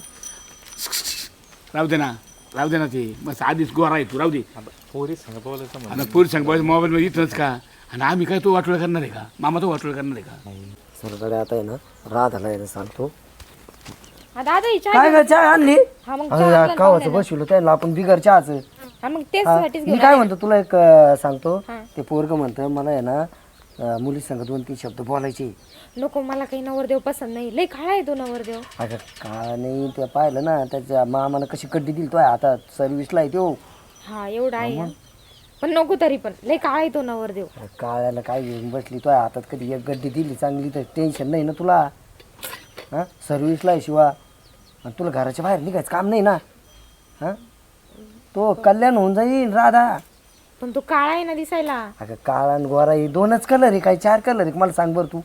[SPEAKER 2] राहू दे ना ते मग आधीच गोरा आहे तू राहू दे.
[SPEAKER 8] पोरी संग बोलायचं म्हणून.
[SPEAKER 2] आणि पुरुष सांग मोबाईल मध्ये इथंच का आणि आम्ही काय तो वाटोळ करणार आहे का. मामा तो वाटोळ करणार आहे का.
[SPEAKER 5] सरकडे आता आहे ना राधाला आहे ना सांगतो.
[SPEAKER 6] दादा ही चहा
[SPEAKER 5] काय काय चहा आणली?
[SPEAKER 6] हा मग
[SPEAKER 5] अरे कावाचं बसवलं त्याला आपण बिगर चहाचं.
[SPEAKER 6] हा मग तेच
[SPEAKER 5] हा,
[SPEAKER 6] साठीच
[SPEAKER 5] मी काय म्हणतो तुला एक सांगतो. ते पोरग म्हणतं मला आहे ना मुली संग 2-3 शब्द बोलायचे.
[SPEAKER 6] नको मला काही नवरदेव पसंत नाही, लय खाळा आहे तो नवरदेव.
[SPEAKER 5] अगं का नाही ते पाहिलं ना त्याच्या मामानं कशी कड्डी दिली तो आता सर्व्हिसला आहे तो.
[SPEAKER 6] हा एवढा आहे हा. पण नको तरी पण लय काळा आहे तो नवरदेव.
[SPEAKER 5] अरे काळ्याला काय घेऊन बसली तो हातात कधी एक गड्डी दिली चांगली तर टेन्शन नाही ना तुला. हां सर्व्हिसला आहे शिवा आणि तुला घराच्या बाहेर निघायचं काम नाही ना. हां तो कल्याण होऊन जाईल राधा.
[SPEAKER 6] पण तो काळा आहे ना दिसायला.
[SPEAKER 5] अगं काळा आणि गोरा हे 2च कलर आहे काय 4 कलर आहे मला सांग बरं तू.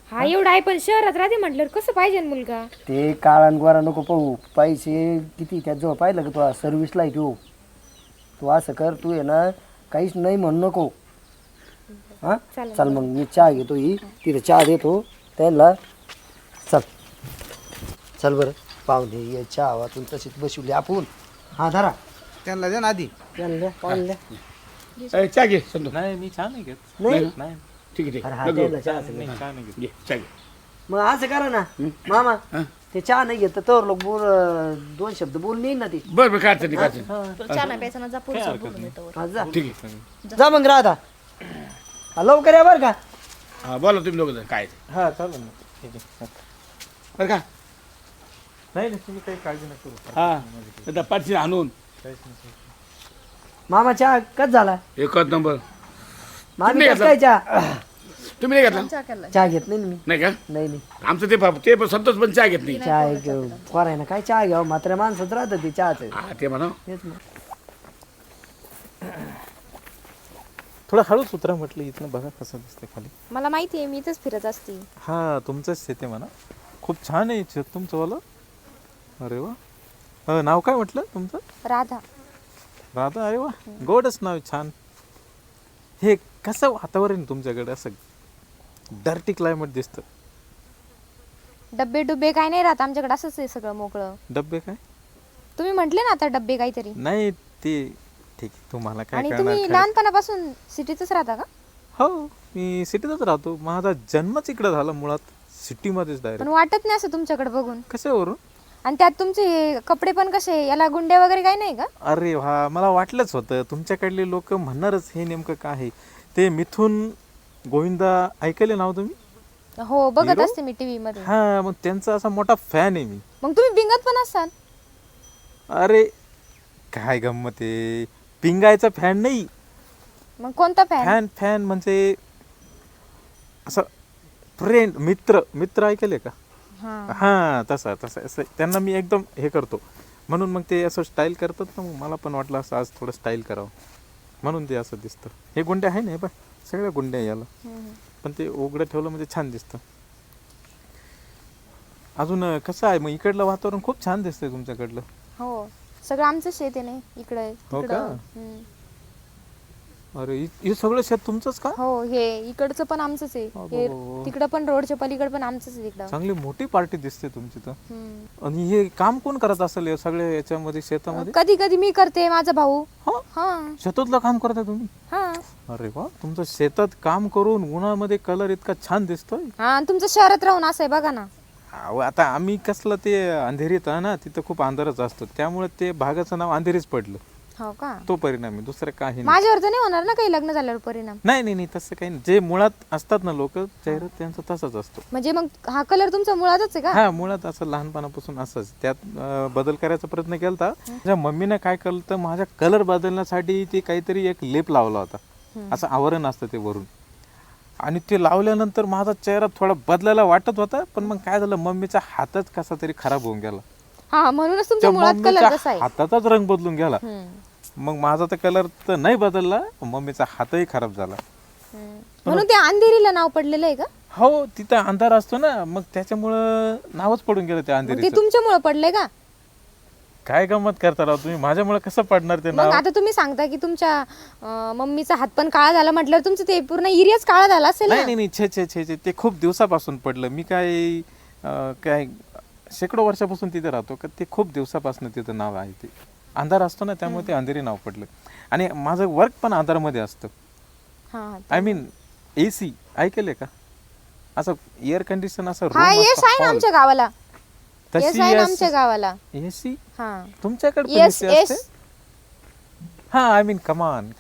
[SPEAKER 6] हा एवढा आहे पण शहरात राहते म्हटल्यावर कसं पाहिजे ना मुलगा?
[SPEAKER 5] ते काळा गोरा नको पाहू, पैसे किती त्याजवळ पाहिलं का तू सर्व्हिसला आहे तू असं कर, तू आहे ना काहीच नाही म्हणू नको. हा चल मग मी चहा घेतो, ही तिथे चहा देतो त्यांना. चल चल बरं पाहुणे ये, चहा वाचून तशीच बसवली आपण. हा धरा
[SPEAKER 4] त्यांना द्या ना आधी.
[SPEAKER 5] त्यांना द्या, पाहुणे द्या.
[SPEAKER 2] चहा घे संतोष.
[SPEAKER 8] नाही मी छान नाही घेत.
[SPEAKER 5] नाही
[SPEAKER 8] नाही
[SPEAKER 2] ठीक आहे ठीक
[SPEAKER 5] अरे
[SPEAKER 2] आहे.
[SPEAKER 5] हा त्यांना चहा असेल.
[SPEAKER 8] नाही छान नाही घेत.
[SPEAKER 2] घे चहा घे.
[SPEAKER 5] मग असं करा ना मामा, ते चहा नाही घेत तर लोक बोल, 2 शब्द बोलून येईन ना ते.
[SPEAKER 2] बरं बरं काय अडचण नाही, काय अडचण नाही.
[SPEAKER 1] तुला चहा नाही प्यायचा ना, जा पुढचं बोलून येतो.
[SPEAKER 5] हा, जा
[SPEAKER 2] ठीक आहे.
[SPEAKER 5] जा मग राधा. हा, लवकर या बरं का.
[SPEAKER 2] हा बोला तुम्ही लोक काय ते.
[SPEAKER 8] हा चालेल ना. ठीक आहे.
[SPEAKER 2] बरं का
[SPEAKER 8] नाही नाही तुम्ही काही काळजी नका करू.
[SPEAKER 2] हा आता पाठशी आणून
[SPEAKER 8] काहीच नाही.
[SPEAKER 5] मामा चहा कच झाला.
[SPEAKER 2] एकच नंबर.
[SPEAKER 5] मामी
[SPEAKER 2] नाही
[SPEAKER 5] कस काय चहा?
[SPEAKER 2] तुम्ही नाही घेतला
[SPEAKER 1] चहा केलाय.
[SPEAKER 5] चहा घेत नाही ना मी.
[SPEAKER 2] नाही का?
[SPEAKER 5] नाही नाही
[SPEAKER 2] आमचं ते पण संतोष पण चहा घेत नाही.
[SPEAKER 5] चहा एक कोराय ना काय चहा घ्यावं, म्हाताऱ्या माणसात राहतं ते चहाचं.
[SPEAKER 2] हा ते म्हणा.
[SPEAKER 5] तेच मग.
[SPEAKER 8] थोडं हळूच उतरा म्हटलं, इथनं बघा कसं दिसतंय खाली.
[SPEAKER 6] मला माहिती आहे, मी इथंच फिरत असते.
[SPEAKER 8] हा तुमचंच शेत आहे म्हणा. खूप छान आहे शेत तुमचंवालं. अरे वा. नाव काय म्हटलं तुमचं?
[SPEAKER 6] राधा.
[SPEAKER 8] राधा. अरे वा, गोडच नाव आहे, छान. हे कसं वातावरण तुमच्याकडे, असं डर्टी क्लायमेट दिसतं.
[SPEAKER 6] डब्बे डुब्बे काय नाही राहत आमच्याकडे, असंच आहे सगळं मोकळं.
[SPEAKER 8] डब्बे काय?
[SPEAKER 6] तुम्ही म्हटले ना आता डब्बे काहीतरी.
[SPEAKER 8] नाही ते ठीक आहे, तुम्हाला काय
[SPEAKER 6] आणि
[SPEAKER 8] करणार
[SPEAKER 6] तुम्ही
[SPEAKER 8] खरं.
[SPEAKER 6] लहानपणापासून सिटीतच राहता का?
[SPEAKER 8] हो मी सिटीतच राहतो. माझा जन्मच इकडे झाला मुळात, सिटीमध्येच डायरेक्ट.
[SPEAKER 6] पण वाटत नाही असं तुमच्याकडे बघून.
[SPEAKER 8] कशावरून?
[SPEAKER 6] आणि त्यात तुमचे कपडे पण कसे, याला गुंडे वगैरे काही नाही का?
[SPEAKER 8] अरे वा, मला वाटलंच होतं तुमच्याकडले लोक म्हणणारच हे नेमकं काय आहे ते. मिथून गोविंदा ऐकले नाव तुम्ही?
[SPEAKER 6] हो बघत
[SPEAKER 8] Hero?
[SPEAKER 6] असते मी टीव्ही मध्ये.
[SPEAKER 8] हा मग त्यांचा असा मोठा फॅन आहे मी.
[SPEAKER 6] मग तुम्ही बिंगत पण असाल.
[SPEAKER 8] अरे काय गंमत आहे, पिंगायचा फॅन नाही.
[SPEAKER 6] मग कोणता फॅन?
[SPEAKER 8] फॅन फॅन म्हणजे असं फ्रेंड, मित्र ऐकले का? हा तसा तसा असं त्यांना मी एकदम हे करतो, म्हणून मग ते असं स्टाईल करतात ना. मग मला पण वाटलं असं आज थोडं स्टाईल करावं, म्हणून ते असं दिसतं. हे गुंडे आहे ना, हे बघ सगळ्या गुंडे याला, पण ते उघडं ठेवलं म्हणजे छान दिसतं. अजून कसं आहे मग इकडलं वातावरण? खूप छान दिसतंय तुमच्याकडलं.
[SPEAKER 6] हो सगळं आमचं शेत आहे ना इकडे.
[SPEAKER 8] हो का? अरे हे सगळं शेत तुमचंच का?
[SPEAKER 6] हो हे इकडचं पण आमचंच आहे. हे तिकडं पण रोडच्या पलीकडे पण आमचंच आहे तिकडं.
[SPEAKER 8] चांगली मोठी पार्टी दिसते तुमची तर. आणि हे काम कोण करत असेल या सगळ्या याच्यामध्ये, शेतामध्ये?
[SPEAKER 6] कधी कधी मी करते, माझा भाऊ. हा
[SPEAKER 8] शेतातलं काम करता तुम्ही?
[SPEAKER 6] हा.
[SPEAKER 8] अरे वा, तुमचं शेतात काम करून उन्हामध्ये कलर इतका छान दिसतोय.
[SPEAKER 6] हा आणि तुमचं शहरात राहून असं आहे बघा ना.
[SPEAKER 8] अहो, आता आम्ही कसलं ते अंधेरीत आहे ना, तिथं खूप अंधारच असतो, त्यामुळे ते भागाचं नाव अंधेरीच पडलं.
[SPEAKER 6] हो का?
[SPEAKER 8] तो परिणाम आहे, दुसरं काही नाही.
[SPEAKER 6] माझ्यावर तर नाही होणार ना काही लग्न झाल्यावर परिणाम?
[SPEAKER 8] नाही नाही नाही तसं काही नाही. जे मुळात असतात ना लोक, चेहरा त्यांचा तसाच असतो.
[SPEAKER 6] म्हणजे मग हा कलर तुमचा मुळातच आहे का?
[SPEAKER 8] हा मुळात असं लहानपणापासून असंच. त्यात बदल करायचा प्रयत्न केला. माझ्या मम्मीने काय केलं तर माझ्या कलर बदलण्यासाठी ते काहीतरी एक लेप लावला होता, असं आवरण असतं ते वरून, आणि ते लावल्यानंतर माझा चेहरा थोडा बदलायला वाटत होता. पण मग काय झालं, मम्मीचा हातच कसा तरी खराब होऊन गेला.
[SPEAKER 6] हा म्हणूनच तुमच्या
[SPEAKER 8] त्या
[SPEAKER 6] मुळात कलर
[SPEAKER 8] मम्मीच्या
[SPEAKER 6] कसा आहे.
[SPEAKER 8] हाताचाच रंग बदलून गेला. मग माझा तर कलर तर नाही बदलला, मम्मीचा हातही खराब झाला.
[SPEAKER 6] म्हणून ते अंधेरीला नाव पडलेलं आहे का?
[SPEAKER 8] हो तिथं अंधार असतो ना, मग त्याच्यामुळं नावच पडून गेलं त्या
[SPEAKER 6] मग ते
[SPEAKER 8] अंधेरीचं.
[SPEAKER 6] तुमच्यामुळे पडलंय का?
[SPEAKER 8] काय गंमत करता राव तुम्ही, माझ्यामुळे कसं पडणार ते
[SPEAKER 6] मग
[SPEAKER 8] नाव?
[SPEAKER 6] आता तुम्ही सांगता की तुमच्या मम्मीचा हात पण काळा झाला, म्हटल्यावर तुमचं ते पूर्ण एरियाच काळा झाला असेल
[SPEAKER 8] नाही
[SPEAKER 6] ना?
[SPEAKER 8] नाही नाही, छे छे छे छे, ते खूप दिवसापासून पडलं. मी काय शेकडो वर्षापासून तिथे राहतो का, ते खूप दिवसापासून तिथं नाव आहे. ते अंधार असतो ना, त्यामुळे ते अंधेरी नाव पडलं. आणि माझं वर्क पण अंधारामध्ये असतं. आय मीन AC ऐकले का? असं एअर कंडिशन, असं
[SPEAKER 6] हा
[SPEAKER 8] room
[SPEAKER 6] येस
[SPEAKER 8] असतं,
[SPEAKER 6] आहे ना
[SPEAKER 8] hall.
[SPEAKER 6] आमच्या गावाला.
[SPEAKER 8] तशी
[SPEAKER 6] येस आहे ना
[SPEAKER 8] yes-
[SPEAKER 6] आमच्या गावाला.
[SPEAKER 8] AC
[SPEAKER 6] हा
[SPEAKER 8] तुमच्याकडे पण
[SPEAKER 6] येस
[SPEAKER 8] AC
[SPEAKER 6] येस.
[SPEAKER 8] असते? हा आय मीन कमान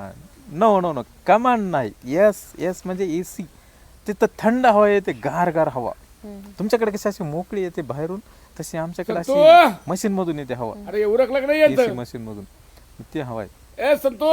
[SPEAKER 8] नो नो नो, कमान नाही, येस येस म्हणजे AC. तिथं थंड हवा येते, गार गार हवा. तुमच्याकडे कशी अशी मोकळी येते बाहेरून, तशी आमच्याकडे अशी
[SPEAKER 2] संतू!
[SPEAKER 8] मशीन मधून येते हवा.
[SPEAKER 2] अरे उरकलं नाही येत
[SPEAKER 8] AC मशीन मधून ती हवा आहे.
[SPEAKER 2] ए संतो.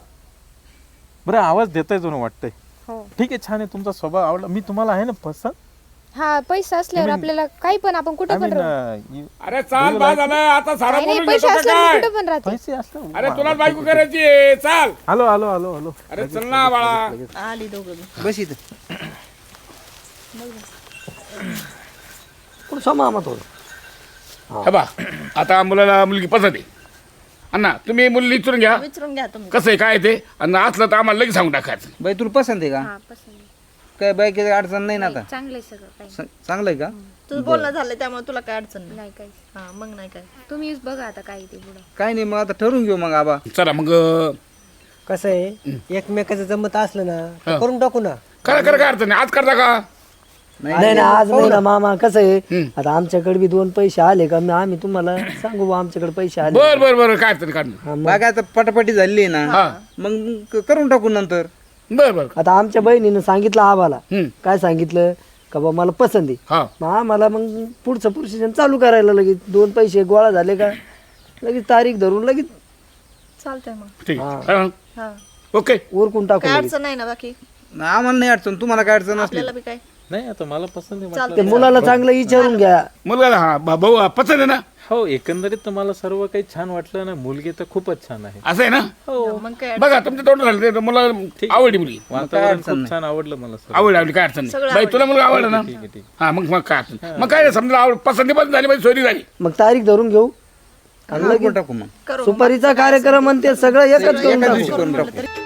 [SPEAKER 8] बरं आवाज देताय जणू वाटतंय.
[SPEAKER 6] हो.
[SPEAKER 8] ठीक आहे, छान आहे, तुमचा स्वभाव आवडला. मी तुम्हाला आहे ना पसंत.
[SPEAKER 6] हा पैसा असल्यावर
[SPEAKER 8] I mean-
[SPEAKER 6] आपल्याला काही पण आपण कुठे
[SPEAKER 8] आय
[SPEAKER 6] पण
[SPEAKER 8] मीन
[SPEAKER 6] राहू.
[SPEAKER 2] अरे चाल बा झालं आता सारा
[SPEAKER 6] नाही, नाही,
[SPEAKER 2] बोलून
[SPEAKER 6] पैसे
[SPEAKER 2] घेतो का
[SPEAKER 6] असल्यावर
[SPEAKER 2] काय?
[SPEAKER 6] मी कुठे पण राहते.
[SPEAKER 8] पैसे असलं.
[SPEAKER 2] अरे तुला बायको करायची आहे, चाल.
[SPEAKER 8] Hello hello hello hello.
[SPEAKER 2] अरे चल ना बाळा.
[SPEAKER 1] आली दोघं.
[SPEAKER 4] बस इथं.
[SPEAKER 5] कुठं मामा थोडं
[SPEAKER 2] हे बा आता मुलाला मुलगी पसंत आहे अण्णा तुम्ही मुली विचारून घ्या
[SPEAKER 1] विचारून घ्या तुम्ही
[SPEAKER 2] कसं आहे काय ते आणि असलं तर आम्हाला लगेच सांगून टाकायचं.
[SPEAKER 4] बाई तुला पसंत आहे का? काय बाई काही अडचण नाही ना आता?
[SPEAKER 6] चांगलंय सगळं काही
[SPEAKER 4] चांगलं आहे का?
[SPEAKER 1] तुझं बोलणं झालं त्यामुळे तुला काय अडचण नाही.
[SPEAKER 6] नाही काही
[SPEAKER 1] हा मग नाही काय.
[SPEAKER 6] तुम्हीच बघा आता काय ते पुढं.
[SPEAKER 4] काय नाही, मग आता ठरवून घेऊ मग आबा.
[SPEAKER 2] चला मग
[SPEAKER 7] कसं आहे एकमेकाचं जमत असलं ना तर करून टाकू ना.
[SPEAKER 2] करा करा काय अडचण नाही. आज करता का?
[SPEAKER 5] नाही ना आज नाही ना मामा. कसं आहे आता आमच्याकडे बी 2 पैसे आले का मग आम्ही तुम्हाला सांगू बा आमच्याकडे पैसे आले.
[SPEAKER 2] बर बर बर काय अडचण काढ
[SPEAKER 4] बागा आता पटापटी झाली आहे ना, मग करून टाकू नंतर.
[SPEAKER 2] बर बर
[SPEAKER 5] आता आमच्या बहिणीनं सांगितलं आम्हाला.
[SPEAKER 2] हम्म.
[SPEAKER 5] काय सांगितलं का बा मला पसंत आहे.
[SPEAKER 2] हा
[SPEAKER 5] मग आम्हाला मग पुढचं प्रोसिजन चालू करायला लगेच 2 पैसे गोळा झाले का लगेच तारीख धरून लगेच
[SPEAKER 1] चालतंय मग.
[SPEAKER 2] ठीक आहे.
[SPEAKER 1] हा
[SPEAKER 2] ओके
[SPEAKER 5] उरकून टाकू
[SPEAKER 1] काय
[SPEAKER 5] लगेच.
[SPEAKER 1] अडचण नाही ना बाकी
[SPEAKER 4] आम्हाला नाही अडचण, तुम्हाला काय अडचण असली
[SPEAKER 1] आपल्याला बी काय.
[SPEAKER 8] नाही आता मला पसंत आहे
[SPEAKER 1] चालतंय.
[SPEAKER 5] ते मुलाला चांगलं विचारून घ्या.
[SPEAKER 2] मुलगा हा भाऊ पसंत आहे ना?
[SPEAKER 8] हो एकंदरीत तर मला सर्व काही छान वाटलं ना. मुलगी तर खूपच छान आहे.
[SPEAKER 2] असं आहे ना?
[SPEAKER 1] मग काय
[SPEAKER 2] बघा तुमचं तोंड झालं ते मला आवडली मुलगी.
[SPEAKER 8] वातावरण खूप छान आवडलं मला सर्व.
[SPEAKER 2] आवडली काय अडचण नाही.
[SPEAKER 1] सगळं
[SPEAKER 2] बाई तुला मुलगा आवडला ना?
[SPEAKER 8] ठीक आहे ठीक
[SPEAKER 2] हा मग काय अडचण नाही. मग काय समजा आवड पसंती पण झाली पाहिजे, सोयरी झाली.
[SPEAKER 5] मग तारीख धरून घेऊ आणि
[SPEAKER 4] करून
[SPEAKER 5] लगेच
[SPEAKER 4] टाकू मग.
[SPEAKER 1] करू.
[SPEAKER 5] सुपारीचा कार्यक्रम आणि ते सगळं एकच करून
[SPEAKER 4] एका
[SPEAKER 5] टाकू.
[SPEAKER 4] दिवशी करून
[SPEAKER 1] म्हटलं
[SPEAKER 4] टाकू.
[SPEAKER 1] तरी